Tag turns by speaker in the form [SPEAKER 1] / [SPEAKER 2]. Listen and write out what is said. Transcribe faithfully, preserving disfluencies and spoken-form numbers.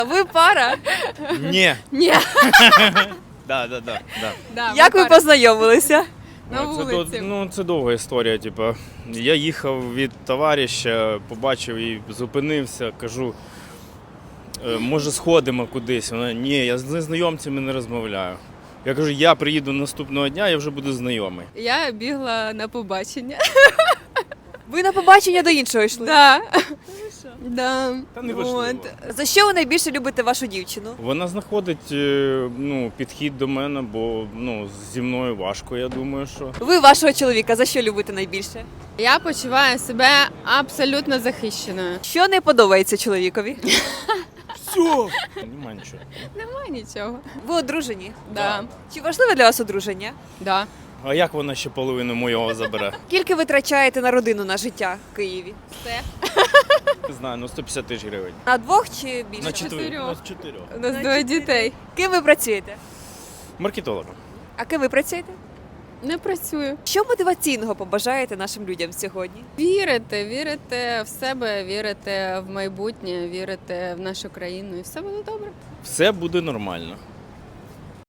[SPEAKER 1] Ви пара?
[SPEAKER 2] Ні.
[SPEAKER 3] Ні.
[SPEAKER 2] Да, да, да, да.
[SPEAKER 3] Да,
[SPEAKER 1] Як ви
[SPEAKER 3] пара.
[SPEAKER 1] познайомилися?
[SPEAKER 3] На
[SPEAKER 2] Ну, це,
[SPEAKER 3] вулиці.
[SPEAKER 2] до- ну, це довга історія. Типу. Я їхав від товариша, побачив і зупинився, кажу, «Е, може сходимо кудись. Вона, ні, я з незнайомцями не розмовляю. Я кажу, я приїду наступного дня, я вже буду знайомий.
[SPEAKER 3] Я бігла на побачення.
[SPEAKER 1] Ви на побачення до іншого йшли?
[SPEAKER 3] Да. Да.
[SPEAKER 2] Та не важливо.
[SPEAKER 3] От.
[SPEAKER 1] За що ви найбільше любите вашу дівчину?
[SPEAKER 2] Вона знаходить е, ну, підхід до мене, бо ну, зі мною важко, я думаю, що.
[SPEAKER 1] Ви вашого чоловіка за що любите найбільше?
[SPEAKER 3] Я почуваю себе абсолютно захищеною.
[SPEAKER 1] Що не подобається чоловікові?
[SPEAKER 2] Все! Нема нічого.
[SPEAKER 3] Нема нічого.
[SPEAKER 1] Ви одружені?
[SPEAKER 3] Да.
[SPEAKER 1] Чи важливе для вас одруження?
[SPEAKER 3] Да.
[SPEAKER 2] А як вона ще половину моєго забере?
[SPEAKER 1] Скільки ви витрачаєте на родину, на життя в Києві?
[SPEAKER 3] Все.
[SPEAKER 2] Не знаю, ну сто п'ятдесят тисяч гривень.
[SPEAKER 1] На двох чи більше?
[SPEAKER 2] На чотирьох.
[SPEAKER 3] чотирьох.
[SPEAKER 2] На чотирьох.
[SPEAKER 3] У нас
[SPEAKER 1] На
[SPEAKER 3] двоє
[SPEAKER 1] чотири.
[SPEAKER 3] дітей.
[SPEAKER 1] Ким ви працюєте?
[SPEAKER 2] Маркетологом.
[SPEAKER 1] А ким ви працюєте?
[SPEAKER 3] Не працюю.
[SPEAKER 1] Що мотиваційного побажаєте нашим людям сьогодні?
[SPEAKER 3] Вірите, вірите в себе, вірите в майбутнє, вірите в нашу країну, і все буде добре.
[SPEAKER 2] Все буде нормально.